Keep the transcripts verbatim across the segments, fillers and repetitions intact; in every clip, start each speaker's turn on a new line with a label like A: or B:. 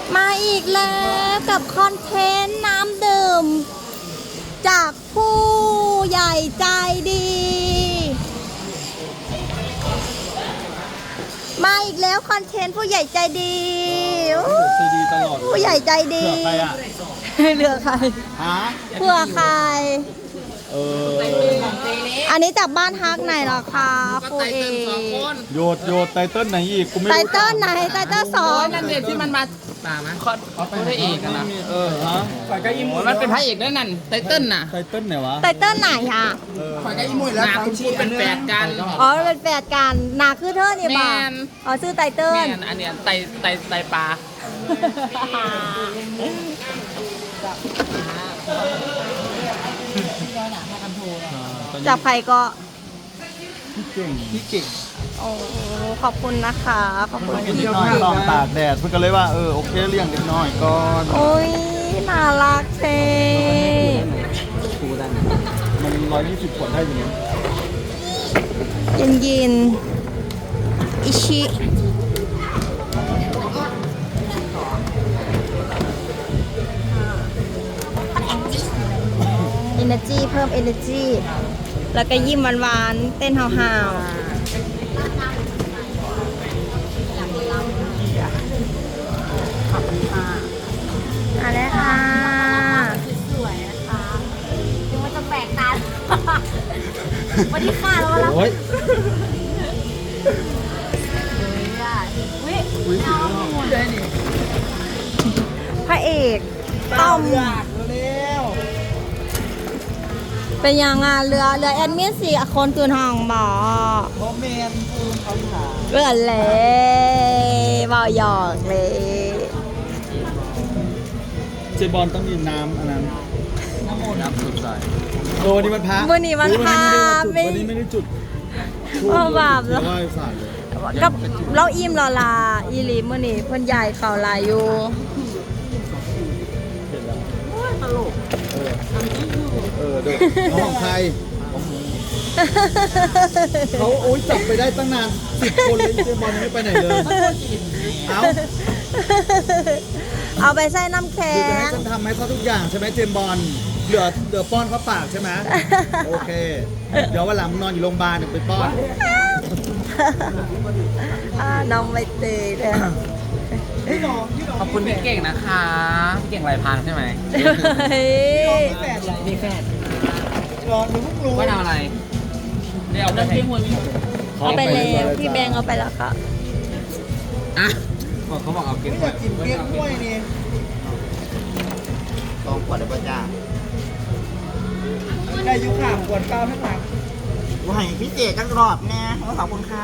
A: มาอีกแล้วกับคอนเทนต์น้ำดื่มจากผู้ใหญ่ใจดีมาอีกแล้วคอนเทนต์ผู้ใหญ่ใจดี
B: ใจดีตลอด
A: ผู้ใหญ่ใจดี
B: เผื่อใครอ่ะ
A: เหลือใคร
B: ฮะ
A: เพื่อใคร
B: เออ
A: อันนี้จากบ้านฮักไหนเหรอคะปูเอ
B: โยดโยดไตเติ้ลไหนอีกกูไม่
A: ไต
B: รู้
A: เติ้ลไหนไตเติ้ลสอง
C: นั่นเด็กที่มันมาตามะคอนเขาเป็นพระเอกกันนะ
B: เออฮะ
C: ฝ่ายก็อิมมันเป็นพระเอกนั่นนั่นไตเติ้ลน่ะ
B: ไตเติ้ลไหนวะ
A: ไตเติ้ลไหนอ่ะ
C: ฝ่ายก็อิมวยแล้วคุณพูดเป็นแฝดกัน
A: อ๋อเป็นแฝดกันหนาคือเธอเนี่ยบ้าอ๋อชื่อไตเติ้ล
C: อันเนี้ยไตไตไตปลา
A: จับใครก็
B: พี่เก่งพี่เก่ง
A: โอ้ขอบคุณนะคะขอบคุณ
B: เด็กน้อยต้องตากแดดเพื่อนก็เลยว่าเออโอเคเลี้ยงเด็กน้อยก่อน
A: โอ้ยน่ารักเท่
B: มันร้อยยี่สิบขวดได้อยู่เนี่ย
A: เย็นเย็นอิชิเอเนอร์จีเพิ่มเอเนอร์จีแล้วก็ยิ้มหวานๆเต้นห่าวๆขอบคุณค่ะอะไรค่ะสวยนะคะยังไม่ต้องแปลกตาวันนี้ค่ะแล้วแล้ว
B: โอ้ย
A: พระเอกต้อมเป็นยังอ่ะเรือเรือแอดมินสี่คนคืนห้องบ่
B: โมเมนต์คูณเขาถาม
A: เรือเลยบ่หยอกเลย
B: เจบอลต้องมีน้ำอันนั้นน้ำโมน้ำสุดใจโอ้วันนี้มันพระ
A: วันนี้มันพระ
B: วันนี้ไม่ได้จุด
A: โอ้บาปแล้วกับเราอิ่มรอลาอีลีมื่อนี้เพื่อนใหญ่เข่าลายอยู่
B: ตลกเออเด็กของใครเขาโอ๊ยจับไปได้ตั้งนานสิบคนเลยเจมอนไม่ไปไหนเลยเอา
A: เอาไปใส่น้ำแข็ง
B: คือจะให้ฉันทำให้เขาทุกอย่างใช่ไหมเจมบอลเหลือเหลือป้อนเขาปากใช่ไหมโอเคเดี๋ยววันหลังนอนอยู่โรงพยาบาลเดี๋ยวไปป้อน
A: น้องใบเตยเลย
C: ขอบคุณพี่เก่งนะคะพี่เก่งลายพางใช่ไหม
A: มี
C: แฝดมีแฝด
B: รอหนูเพิ่งรู้
C: ว่าเอาอะไรเดี๋ยวเอาไปให้
A: เอาไปแล้วพี่แบงเอาไปแล้วค่ะ
C: อ่ะบอกเขาบอกเอาเก็บไว้
B: กินเกี๊ยวกล้วยนี่
C: สองขวดได้ป่ะจ้า
B: ได้ยุข่าขวดเก้าทั้งหลัง
C: ว่าให้พี่เจจังรอบแน่ขอบคุณค่ะ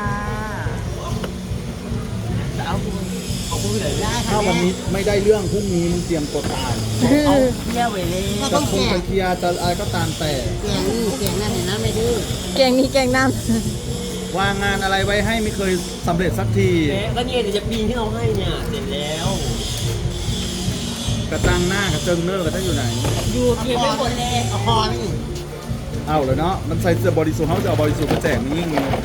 C: เอาขอบคุณเลย
B: ถ้าวันนี้ไม่ได้เรื่องพรุ่งนี้มึงเตรียมตัวตาย
C: เอาเที่ยวเวล่
B: จะคงไปเคลียร์จะอะไรก็ตามแต่
C: เก่งนี่เก่งนั่นเห็นนะไม่ดื้อ
A: เก่งนี่เก่งนั่น
B: วางงานอะไรไว้ให้ไม่เคยสำเร็จสักที
C: ก็เนี่ยเดี๋ยวจะปีนที่เราให้เนี่ยเสร็จแล้ว
B: กระตังหน้ากระเจิงเนอร์กระตั้งอยู่ไหน
C: อยู่เพียงไม่หมดเลยเอาคอนี่
B: เอาเลยเนาะมันใส่เสื้อบริสุทธิ์เขาจะเอาบริสุทธิ์มาแจกนี่ยิ่งเลย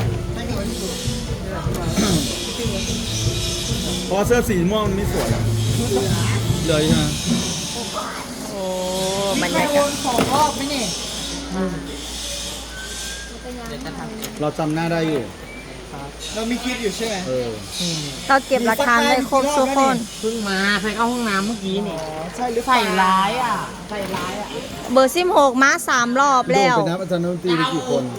B: เพราะเสื้อสีม่วงมันไม่สวยเลยใช่ไหม
A: โอ้บรรยากาศ
C: ของรอบไม่เนี่ย
B: เราจำหน้าได้อยู่
C: เรามีคลิปอยู่ใช่ไหม
B: เออ
A: เราเก็บหลักฐานได้ครบทุกคน
C: เพิ่งมาใครเข้าห้องน้ำเมื่อกี้นี่ใช่หรือใส่ร้ายอ่ะใส่ร้ายอ่ะ
A: เบอร์สิบหกมาสามรอบแล้ว
B: เป็นนักอาจารย์ดนตรีมีกี่คน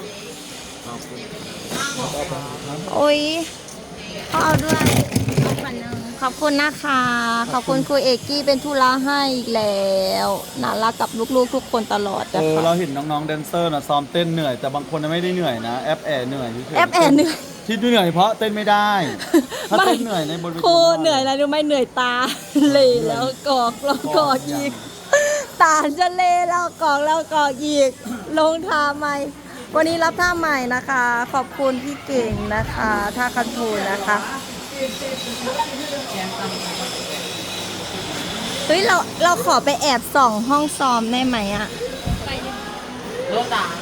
A: โอ้ยเขาเอาด้วยขอบคุณนะคะขอบคุณครูเอกกี้เป็นธุระให้อีกแล้วน่ารักกับลูกๆทุกคนตลอด
B: เออเราเห็นน้องๆแดนเซอร์นะซ้อมเต้นเหนื่อยแต่บางคนไม่ได้เหนื่อยนะแอปแอร์เหนื่อย
A: แอปแอร์เหนื่อย
B: ที่เหนื่อยเพราะเต้นไม่ได้ถ้าเต้นเหนื่อยในบนเวที
A: ครูเหนื่อยอะไรรู้ไหมเหนื่อยตาเลยแล้วกอกแล้วกอกอีกตาจะเล่แล้วกอกแล้วกอกอีกลงท่าใหม่วันนี้รับท่าใหม่นะคะขอบคุณพี่เก่งนะคะท่าคันทูนะคะเฮ้ยเราเราขอไปแอบส่องห้องซ้อมได้ไหมอะ
C: รถด่าง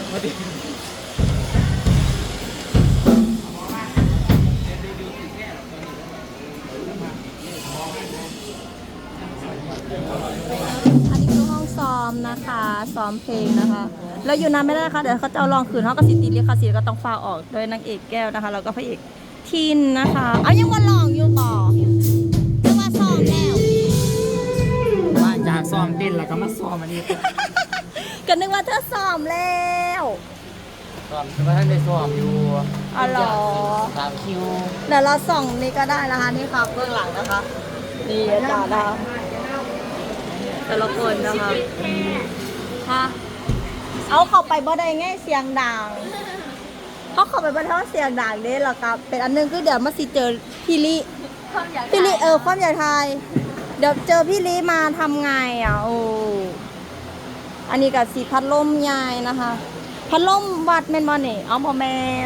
A: อันนี้คือห้องซ้อมนะคะซ้อมเพลงนะคะแล้วอยู่นานไม่ได้นะคะเดี๋ยวเขาจะเอาลองคืนเขาก็สิตีลิขสิทธิ์ก็ต้องฟาออกโดยนางเอกแก้วนะคะแล้วก็พระเอกทินนะคะเอายังวันลองอยู่ต่อจะมาซ้อมแล้ว
C: มาจากซ้อมเต้นแล้วก็มาซ้อมอันนี้
A: ก็นึกว่าเธอซ้อมแล้ว
C: ซ้อมแต่ว่าท่านได้ซ้อมอยู่
A: อ๋อเหรอ
C: สามคิว
A: เดี๋ยวเราส่องนี่ก็ได้นะคะนี่ค่ะเบื้องหลังนะคะนี่อาจารย์นะคะแต่ละคนนะคะค่ะเอาเข้าไปบ่ได้ไงเสียงดังเขาเข้าไปบ่ได้เพราะเสียงดังเด้หรอครับเป็นอันนึงคือเดี๋ยวมาสิเจอพี่ลิพี่ลิเออความใหญ่ไทยเดี๋ยวเจอพี่ลิมาทำไงอ่ะโอ้อันนี้กับสีพัดลมใหญ่นะคะพัดลมวัดแมนบอลนี่เอาพอแมน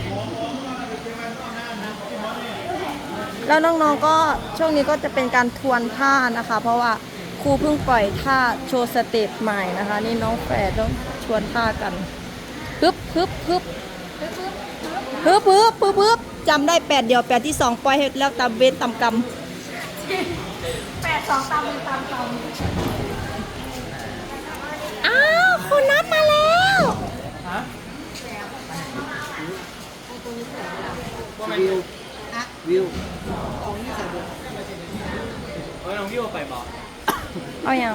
A: แล้วน้องๆก็ช่วงนี้ก็จะเป็นการทวนท่านะคะ เพราะว่าครูเพิ่งปล่อยท่าโชว์สเต็ปใหม่นะคะ นี่น้องแฝดต้องชวนท่ากันฮึบฮึบฮึบฮึบฮึบฮึบฮึบจำได้แปดเดียวแปดที่สองปล่อยให้แล้วตามเวทตามกรรมแปดสองตามเวทตามกรรมอ้าวคุณนัดมาแล้ว
B: วิววิว
C: เออน้องวิวไปบอก
A: เอาอย่าง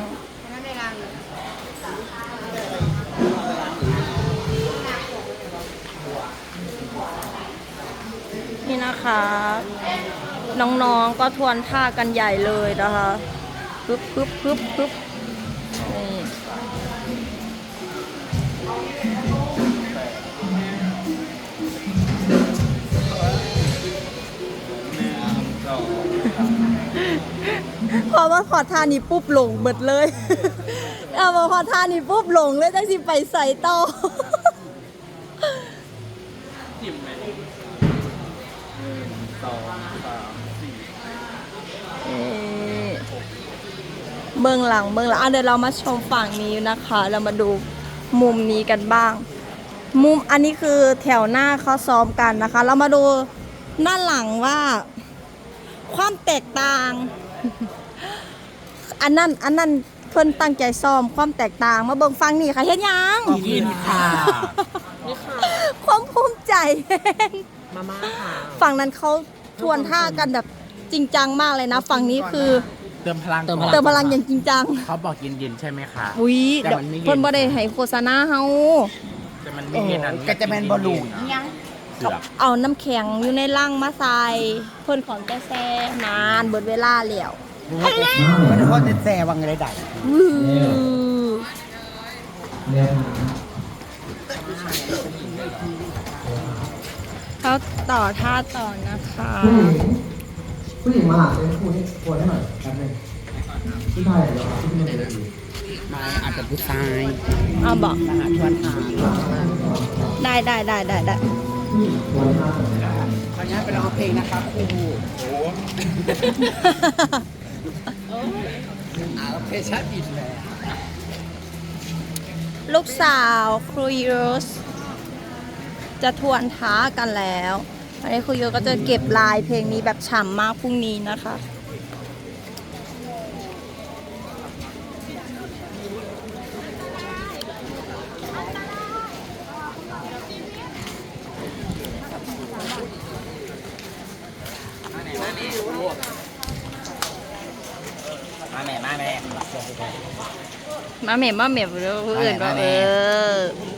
A: นี่นะคะ น้องๆก็ทวนท่ากันใหญ่เลยนะคะปึ๊บปึ๊บปึ๊บปึ๊บนี่พอว่าพอท่านี้ปุ๊บหลงหมดเลย เอามาพอท่านี้ปุ๊บหลงเลยจังสิไปใส่ต่อ
C: จิ้มไหมสองสามสี่
A: เอ่อเบื้องหลังเบื้องหลังอ่ะเดี๋ยวเรามาชมฝั่งนี้นะคะ เรามาดูมุมนี้กันบ้าง มุมอันนี้คือแถวหน้าเขาซ้อมกันนะคะ เรามาดูด้านหลังว่า ความแตกต่าง อันนั้นอันนั้นเพิ่นตั้งใจซ้อมความแตกต่างมาเบิ่งฟังนี่ค่ะเฮ็ดหยัง
C: กินค่ะ
A: ความภูมิใจ
C: มาม่าค่ะ
A: ฝั่งนั้นเขาทวนท่ากันแบบจริงจังมากเลยนะ ฝั่งนี้คือ
C: เติมพลัง
A: เติมพลังอย่างจริงจัง
C: เขาบอกเย็นๆใช่ไหมคะ
A: อุ้ย
C: แต่
A: เดี๋ยว
C: มันไม่เย็น
A: เพิ่นบ่ได้ให้โฆษณาเฮา
C: แต่มันไม่เย็นอัน
D: ก็จะเป็นบอลลูน
C: ยังเสือก
A: เอาน้ำแข็งอยู่ในลังมาใส่เพิ่นของแต่แซ่นานเบิดเวลาแล้ว
D: มันก็จะแซ่วังอะไรได้
A: วู้เขาต่อท่าต่อนะคะ
E: ผู้หญิงมาหาเป็นผู้ที่ควรให้หน่อยแป๊บนึงผู้ชายเหรอครับที่มันเป็นดี
D: มาอาจจะผู้ชาย
A: เอาบอก
D: มาหาชวนหา
A: ได้ได้ได้ได้ได้
E: วันห้า
D: ขออนุญาตไปร้องเพลงนะคะครูอ่าโอเคชัดอินเลย
A: ลูกสาวครูยูสจะทวนท้ากันแล้วอันนี้ครูยูสก็จะเก็บลายเพลงนี้แบบฉ่ำมากพรุ่งนี้นะคะ
C: มาแม่มาแม่
A: มาเหม็บมาเหม็บเพื่อนก็เออ